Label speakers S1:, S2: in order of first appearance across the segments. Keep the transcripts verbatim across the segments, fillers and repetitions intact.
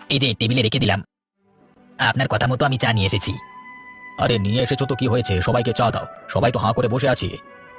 S1: এই যে টেবিলে রেখে দিলাম। আপনার কথা মতো আমি চা নিয়ে এসেছি। আরে নিয়ে এসেছো তো কি হয়েছে, সবাইকে চা দাও, সবাই তো হাঁ করে বসে আছি।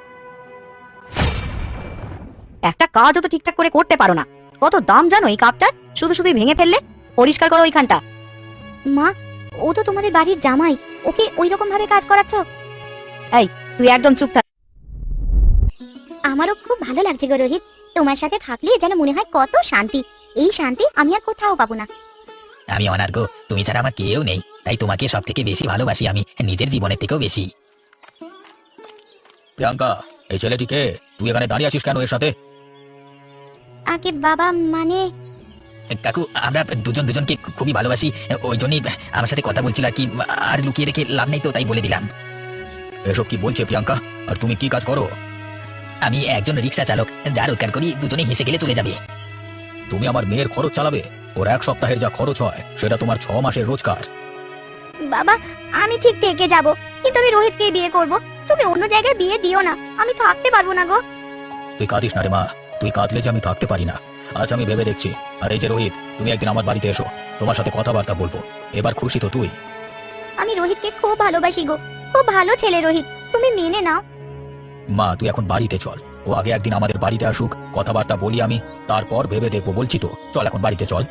S2: একটা কাজও তো ঠিকঠাক করে করতে পারো না। কত দাম জানো এই কাপটার, শুধু শুধুই ভেঙে ফেললে। পরিষ্কার করো ওইখানটা। মা, ও তো তোমাদের বাড়ির জামাই, ওকে ওই রকম ভাবে কাজ করাচ্ছ? এই, তুই একদম চুপ থাক।
S3: আমারও খুব ভালো লাগছে গো রোহিত, তোমার সাথে থাকলে যেন মনে হয় কত শান্তি। এই শান্তি আমি আর কোথাও পাবো না।
S1: আমি অনার্ঘ, তুমি ছাড়া আমার কেউ নেই, তাই তোমাকে সব থেকে বেশি ভালোবাসি আমি, নিজের জীবনের থেকেও বেশি। প্রিয়াঙ্কা, এই ছেলেটিকে, তুই এখানে দাঁড়িয়ে আছিস কেন এর সাথে?
S3: আগে বাবা, মানে
S1: কাকু, আমরা দুজন দুজনকে খুবই ভালোবাসি, ওই জন্যই আমার সাথে কথা বলছিল আর কি, আর লুকিয়ে রেখে লাভ নেই তো, তাই বলে দিলাম। এসব কি বলছে প্রিয়াঙ্কা? আর তুমি কি কাজ করো? আমি একজন রিক্সা চালক, যা রোজগার করি দুজনে হেসে গেলে চলে যাবে। তুমি আমার মেয়ের খরচ চালাবে? ওর এক সপ্তাহের যা খরচ হয় সেটা তোমার ছ মাসের রোজগার।
S3: বাবা, আমি ঠিক থেকে যাব, কিন্তু আমি রোহিতকে বিয়ে করব। তুমি অন্য জায়গায় বিয়ে দিও না, আমি থাকতে পারবো না গো।
S1: তুই কাঁদিস না রে মা, তুই কাঁদলে যে আমি থাকতে পারি না। আজ আমি ভেবে দেখছি। আর এই যে রোহিত, তুমি একদিন আমার বাড়িতে এসো, তোমার সাথে কথাবার্তা বলবো। এবার খুশি তো তুই?
S3: আমি রোহিতকে খুব ভালোবাসি গো, খুব ভালো ছেলে রোহিত, তুমি মেনে নাও।
S1: মা, তুই এখন বাড়িতে চল, ও আগে একদিন আমাদের বাড়িতে আসুক, কথাবার্তা বলি আমি, তারপর ভেবে দেখবো, বলছি তো। চল এখন বাড়িতে চল।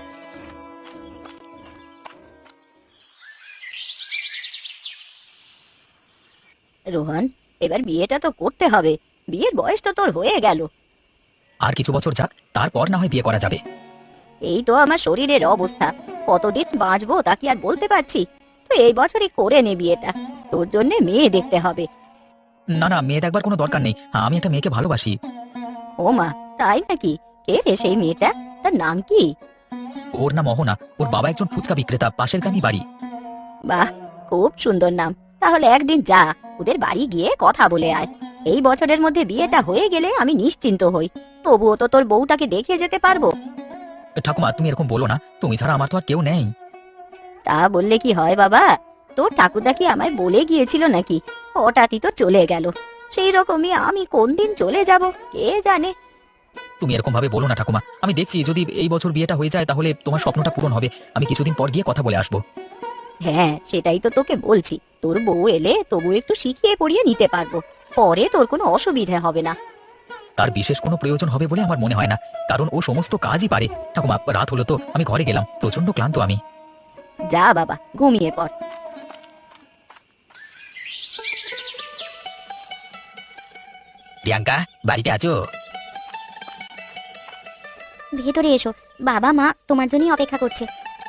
S2: রোহন, এবার বিয়েটা তো করতে হবে। বিয়ের বয়স তো তোর হয়ে গেল।
S1: আর কিছু বছর যাক, তারপর না হয় বিয়ে করা যাবে।
S2: এই তো আমার শরীরের অবস্থা, কতদিন বাঁচবো তা কি আর বলতে পারছি। তো এই বছরই করে নে বিয়েটা, তোর জন্য মেয়ে দেখতে হবে।
S1: না না, মেয়ে দেখবার কোনো দরকার নেই, আমি একটা মেয়েকে ভালোবাসি।
S2: ও মা, তাই নাকি? কে রে সেই মেয়েটা, তার নাম কি?
S1: ওর নাম অহনা, ওর বাবা একজন ফুচকা বিক্রেতা, পাশের গ্রামই বাড়ি।
S2: বাহ, খুব সুন্দর নাম। তাহলে একদিন যা, ওদের বাড়ি গিয়ে কথা বলে আয়। এই বছরের মধ্যে বিয়েটা হয়ে গেলে আমি নিশ্চিন্ত হই। তবুও তো তোর বউটাকে দেখে যেতে পারবো।
S1: ঠাকুমা, তুমি এরকম বলো না, তুমি ছাড়া আমার তো আর কেউ নেই।
S2: তা বললে কি হয় বাবা? তোর ঠাকুরদা কি আমায় বলে গিয়েছিল নাকি? হঠাৎই তো চলে গেল। সেই রকমই আমি কোন দিন চলে যাব কে জানে।
S1: তুমি এরকম ভাবে বলো না ঠাকুমা, আমি দেখছি যদি এই বছর বিয়েটা হয়ে যায় তাহলে তোমার স্বপ্নটা পূরণ হবে। আমি কিছুদিন পর গিয়ে কথা বলে আসবো।
S2: হ্যাঁ, সেটাই তো তোকে বলছি। তোর বউ এলে তবু একটু শিখিয়ে পড়িয়ে নিতে পারবো, পরে তোর কোনো অসুবিধা হবে না।
S1: তার বিশেষ কোনো প্রয়োজন হবে বলে আমার মনে হয় না, কারণ ও সমস্ত কাজই পারে। ঠাকুমা, রাত হলো তো, আমি ঘরে গেলাম, প্রচন্ড ক্লান্ত আমি।
S2: যা বাবা, ঘুমিয়ে পড়।
S1: প্রিয়াঙ্কা, বাড়িতে আছো?
S3: ভেতরে এসো, বাবা মা তোমার জন্যই অপেক্ষা করছে।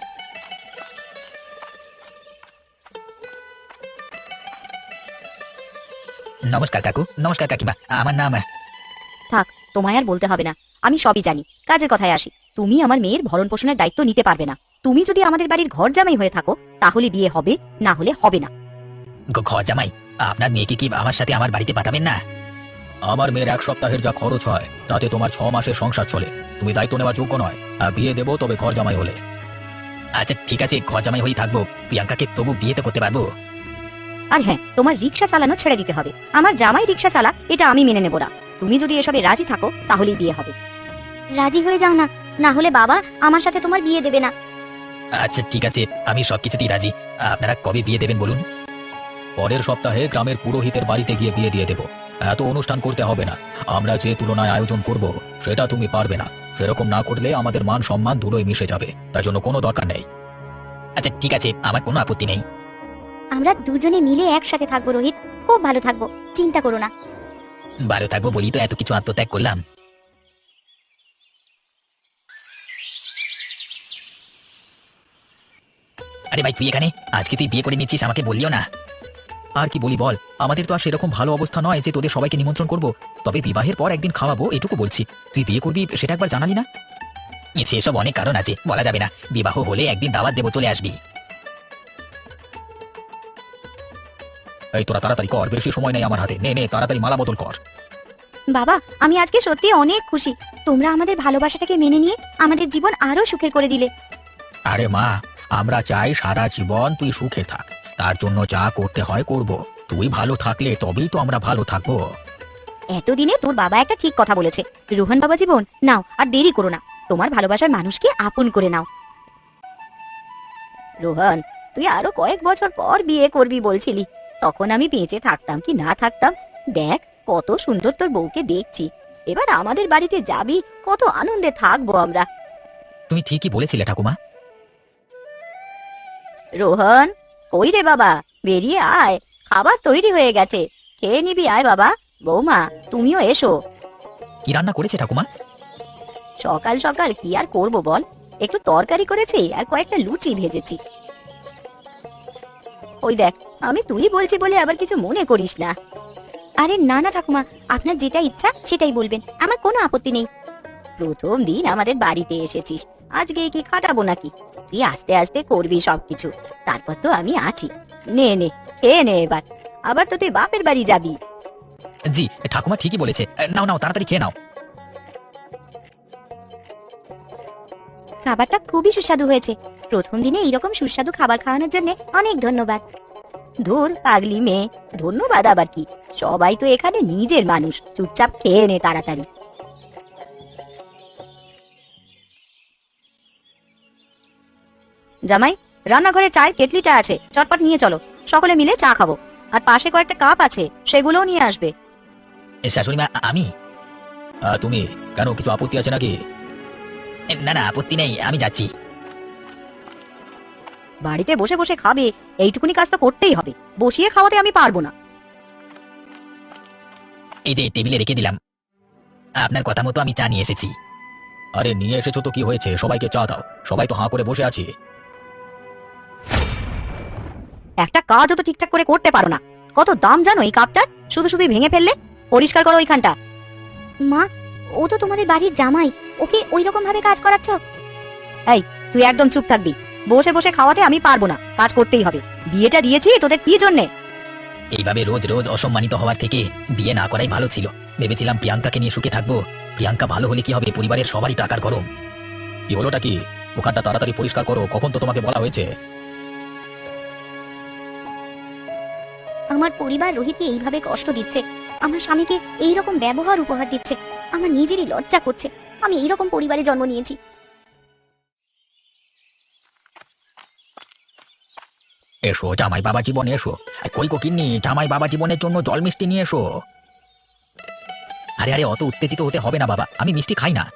S1: নমস্কার কাকু, নমস্কার কাকিমা, আমার নাম।
S2: থাক, তোমায় আর বলতে হবে না, আমি সবই জানি। কাজের কথায় আসি, তুমি আমার মেয়ের ভরণ পোষণের দায়িত্ব নিতে পারবে না। তুমি যদি আমাদের বাড়ির ঘর জামাই হয়ে থাকো তাহলে বিয়ে হবে, না হলে হবে না।
S1: গ- ঘর জামাই? আপনার মেয়েকে কি আমার সাথে আমার বাড়িতে পাঠাবেন না? আমার মেয়ের এক সপ্তাহের যা খরচ হয় তাতে তোমার ছ মাসের সংসার চলে। তুমি দায়িত্ব নেওয়ার যোগ্য নয়। আর বিয়ে দেবো তবে ঘর জামাই হলে। আচ্ছা ঠিক আছে, ঘর জামাই হয়েই থাকবো, প্রিয়াঙ্কাকে তবু বিয়ে তো করতে পারবো।
S2: আর হ্যাঁ, তোমার রিক্সা চালানো ছেড়ে দিতে হবে। আমার জামাই রিক্সা চালা, এটা আমি মেনে নেব না। তুমি যদি এসবে রাজি থাকো তাহলেই বিয়ে হবে।
S3: রাজি হয়ে যাও না, না হলে বাবা আমার সাথে তোমার বিয়ে দেবে না।
S1: আচ্ছা ঠিক আছে, আমি সবকিছুতেই রাজি। আপনারা কবে বিয়ে দেবেন বলুন? পরের সপ্তাহে গ্রামের পুরোহিতের বাড়িতে গিয়ে বিয়ে দিয়ে দেবো। এত অনুষ্ঠান করতে হবে না। আমরা যে তুলনায় আয়োজন করব সেটা তুমি পারবে না। সেরকম না করলে আমাদের মান সম্মান ধুলোয় মিশে যাবে, তার জন্য কোনো দরকার নেই। আচ্ছা ঠিক আছে, আমার কোনো আপত্তি নেই।
S3: আমরা দুজনে মিলে একসাথে থাকবো রোহিত, খুব ভালো থাকবো, চিন্তা করো না।
S1: ভালো থাকবো বলি তো এত কিছু আত্মত্যাগ করলাম। আরে ভাই, তুই এখানে? আজকে তুই বিয়ে করে নিচ্ছিস, আমাকে বললিও না। আর কি বলি বল, আমাদের তো আর সেরকম ভালো অবস্থা নয় যে তোদের সবাইকে নিমন্ত্রণ করব। তবে বিবাহের পর একদিন খাওয়াবো, এটুকু বলছি। তুই বিয়ে করবি সেটা একবার জানালি না? এ, সেসব অনেক কারণ আছে, বলা যাবে না। বিবাহ হলে একদিন দাওয়াত দেবো, চলে আসবি। এই তোরা তাড়াতাড়ি কর, বেশি সময় নেই আমার হাতে। নে নে, তাড়াতাড়ি মালা বদল কর।
S3: বাবা, আমি আজকে সত্যি অনেক খুশি। তোমরা আমাদের ভালোবাসাটাকে মেনে নিয়ে আমাদের জীবন আরো সুখের করে দিলে।
S1: আরে মা, আমরা চাই সারা জীবন তুই সুখে থাক, তার জন্য যা করতে হয় করব। তুই ভালো থাকলে তবেই তো আমরা ভালো থাকবো।
S2: এতদিনে তোর বাবা একটা ঠিক কথা বলেছে। রোহন বাবা জীবন, নাও আর দেরি করো না, তোমার ভালোবাসার মানুষকে আপন করে নাও। রোহন, তুই আরো কয়েক বছর পর বিয়ে করবি বলছিলি, তখন আমি বেঁচে থাকতাম কি না থাকতাম, দেখ কত সুন্দর তোর বউকে দেখছি। এবার আমাদের বাড়িতে যাবি, কত আনন্দে থাকবো আমরা।
S1: তুমি ঠিকই বলেছিলে ঠাকুমা।
S2: রোহন, কই রে বাবা, বেরিয়ে আয়, খাবার তৈরি হয়ে গেছে, খেয়ে নিবি, আয় বাবা। বৌমা, তুমিও এসো।
S1: কি রান্না করেছে ঠাকুমা?
S2: সকাল সকাল কি আর করব বল, একটু তরকারি করেছি আর কয়েকটা লুচি ভেজেছি। ওই দেখ, আমি তুই বলছি বলে আবার কিছু মনে করিস না।
S3: আরে না না ঠাকুমা, আপনার যেটা ইচ্ছা সেটাই বলবেন, আমার কোনো আপত্তি নেই।
S2: প্রথম দিন আমাদের বাড়িতে এসেছিস, আজকে কি খাটাবো নাকি? তুই আস্তে আস্তে করবি সবকিছু, তারপর তো আমি আছি। নে নে, খেয়ে নে এবার, আবার তো তুই বাপের বাড়ি যাবি।
S1: জি, ঠাকুমা ঠিকই বলেছে। নাও নাও, তাড়াতাড়ি খেয়ে নাও।
S3: খাবারটা খুবই সুস্বাদু হয়েছে। প্রথম দিনে এইরকম সুস্বাদু খাবার খাওয়ানোর জন্য অনেক ধন্যবাদ।
S2: ধুর পাগলি মেয়ে, ধন্যবাদ আবার কি? সবাই তো এখানে নিজের মানুষ, চুপচাপ খেয়ে নে তাড়াতাড়ি। জামাই, রান্নাঘরে চায়ের কেটলিটা আছে, চটপট নিয়ে চলো, সকলে মিলে চা খাবো। আর পাশে কয়েকটা কাপ আছে, সেগুলোও নিয়ে আসবে।
S1: এ, শাশুড়ি মা, আমি? আহ, তুমি কেন, কিছু আপত্তি আছে নাকি? এ, না না, আপত্তি নেই, আমি যাচ্ছি।
S2: বাড়িতে বসে বসে খাবে, এইটুকুনি কাজ তো করতেই হবে, বসিয়ে খাওয়াতে আমি পারবো না।
S1: এই যে টেবিলে রেখে দিলাম, আপনার কথা মতো আমি চা নিয়ে এসেছি। আরে নিয়ে এসেছো তো কি হয়েছে, সবাইকে চা দাও, সবাই তো হাঁ করে বসে আছি।
S2: একটা কাজও তো ঠিকঠাক করে করতে পারো না, কত দাম জানো এই কাপটার, শুধু শুধু ভেঙে ফেললে। পরিষ্কার করো ওইখানটা।
S3: মা, ও তো তোমাদের বাড়ির জামাই, ওকে ওই রকম ভাবে কাজ করাচ্ছ?
S2: এই, তুই একদম চুপ থাকবি, বসে বসে খাওয়াতে আমি পারবো না, কাজ করতেই হবে। বিয়েটা দিয়েছি তোদের কি জন্যে?
S1: এইভাবে রোজ রোজ অসম্মানিত হওয়ার থেকে বিয়ে না করাই ভালো ছিল। ভেবেছিলাম প্রিয়াঙ্কাকে নিয়ে সুখে থাকবো, প্রিয়াঙ্কা ভালো হলে কি হবে, পরিবারের সবারই টাকার গরম। কি হলোটা কি? ওখানটা তাড়াতাড়ি পরিষ্কার করো, কখন তো তোমাকে বলা হয়েছে।
S3: আমার পরিবার রোহিতকে এইভাবে কষ্ট দিচ্ছে, আমার স্বামীকে এইরকম ব্যবহার উপহার দিচ্ছে, আমার নিজেরই লজ্জা করছে। আমি এইরকম পরিবারে জন্ম নিয়েছি।
S1: এসো জামাই বাবা জীবন, এসো। আর কই কো কিন্নি, জামাই বাবা জীবনের জন্য জল মিষ্টি নিয়ে এসো। আরে আরে, অত উত্তেজিত হতে হবে না বাবা, আমি মিষ্টি খাই না।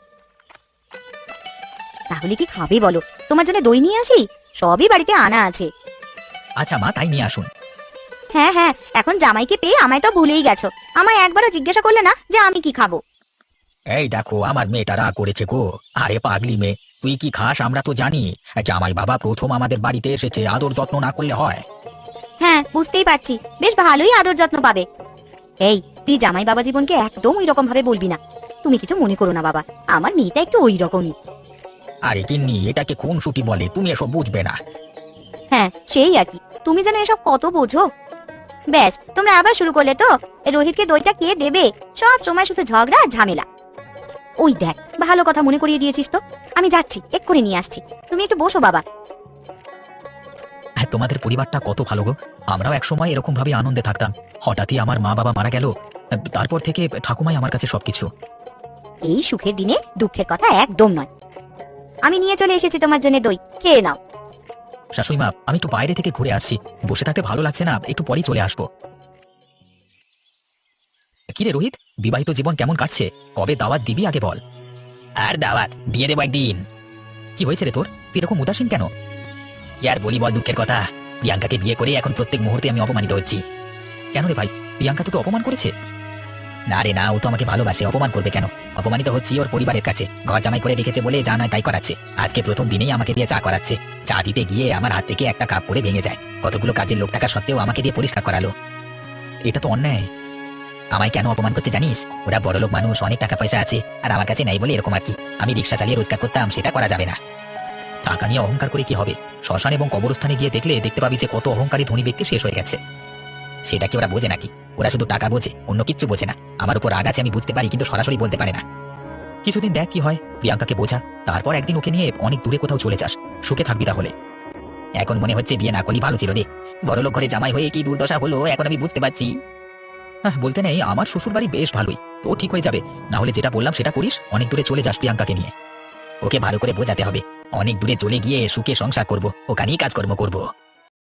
S2: তাহলে কি খাবে বলো? তোমার জন্য দই নিয়ে আসি, সবই বাড়িতে আনা আছে।
S1: আচ্ছা মা, তাই নিয়ে আসুন।
S3: হ্যাঁ হ্যাঁ, এখন জামাইকে পেয়ে আমায় তো ভুলেই গেছো, আমায় একবারও জিজ্ঞাসা করলে না যে আমি কি খাবো।
S1: এই দেখো, আমার মেয়েটা রাগ করেছে গো। আরে পাগলি মেয়ে, তুই কি খাস আমরা তো জানি, জামাই বাবা প্রথম আমাদের বাড়িতে এসেছে, আদর যত্ন না করলে হয়?
S3: হ্যাঁ, বুঝতেই পারছি, বেশ ভালোই আদর যত্ন পাবে।
S2: এই, তুই জামাই বাবা জীবনকে একদম ওই রকম ভাবে বলবি না। তুমি কিছু মনে করো না বাবা, আমার মেয়েটা একটু ওই রকমই।
S1: আরে কিন্নি, এটাকে কোন সুটি বলে, তুমি এসব বুঝবে না।
S2: হ্যাঁ, সেই আর কি, তুমি যেন এসব কত বোঝো।
S3: ব্যাস, তোমরা আবার শুরু করলে তো। রোহিতকে দইটা কে দেবে? সব সময় শুধু ঝগড়া আর ঝামেলা।
S2: ওই দেখ, ভালো কথা মনে করিয়ে দিয়েছিস তো,
S3: আমি যাচ্ছি, এক্ষুনি নিয়ে আসছি, তুমি একটু বসো বাবা।
S1: হ্যাঁ, তোমাদের পরিবারটা কত ভালো গো। আমরাও একসময় এরকম ভাবে আনন্দে থাকতাম, হঠাৎই আমার মা বাবা মারা গেল, তারপর থেকে ঠাকুমাই আমার কাছে সবকিছু।
S2: এই সুখের দিনে দুঃখের কথা একদম নয়। আমি নিয়ে চলে এসেছি তোমার জন্য দই, খেয়ে নাও।
S1: শাশুড়ি মা, আমি একটু বাইরে থেকে ঘুরে আসছি, বসে থাকতে ভালো লাগছে না, একটু পরেই চলে আসবো। কিরে রোহিত, বিবাহিত জীবন কেমন কাটছে? কবে দাওয়াত দিবি আগে বল। আর দাওয়াত দিয়ে দেবো একদিন। কি হয়েছে রে তোর, তুই এরকম উদাসীন কেন? কি আর বলি বল, দুঃখের কথা। প্রিয়াঙ্কাকে বিয়ে করে এখন প্রত্যেক মুহূর্তে আমি অপমানিত হচ্ছি। কেন রে ভাই, প্রিয়াঙ্কা তোকে অপমান করেছে? না রে না, ও তো আমাকে ভালোবাসে, অপমান করবে কেন? অপমানিত হচ্ছি ওর পরিবারের কাছে, ঘর জামাই করে রেখেছে বলে যা নয় তাই করাচ্ছে। আজকে প্রথম দিনেই আমাকে দিয়ে চা করাচ্ছে, চা দিতে গিয়ে আমার হাত থেকে একটা কাপ পরে ভেঙে যায়। কতগুলো কাজের লোক থাকা সত্ত্বেও আমাকে দিয়ে পরিষ্কার করালো। এটা তো অন্যায়। আমায় কেন অপমান করছে জানিস? ওরা বড়লোক মানুষ, অনেক টাকা পয়সা আছে, আর আমার কাছে নাই বলে এরকম আর কি। আমি রিক্সা চালিয়ে রোজগার করতাম, সেটা করা যাবে না। টাকা নিয়ে অহংকার করে কি হবে? শ্মশান এবং কবরস্থানে গিয়ে দেখলে দেখতে পাবি যে কত অহংকারী ধনী ব্যক্তি শেষ হয়ে গেছে। সেটা কি ওরা বোঝে নাকি? ওরা শুধু টাকা বোঝে, অন্য কিচ্ছু বোঝে না। আমার উপর রাগ আছে আমি বুঝতে পারি, কিন্তু সরাসরি বলতে পারে না। কিছুদিন দেখ কি হয়, প্রিয়াঙ্কাকে বোঝা, তারপর একদিন ওকে নিয়ে অনেক দূরে কোথাও চলে যাস, সুখে থাকবি তাহলে। এখন মনে হচ্ছে বিয়ে না করলেই ভালো ছিল রে। বড়লোক ঘরে জামাই হয়ে কি দুর্দশা হলো এখন আমি বুঝতে পারছি। হ্যাঁ, বলতে নেই, আমার শ্বশুর বাড়ি বেশ ভালোই, তো ঠিক হয়ে যাবে। না হলে যেটা বললাম সেটা করিস, অনেক দূরে চলে যাস প্রিয়াঙ্কাকে নিয়ে। ওকে ভালো করে বোঝাতে হবে, অনেক দূরে চলে গিয়ে সুখে সংসার করব, ওখানেই কাজকর্ম করব।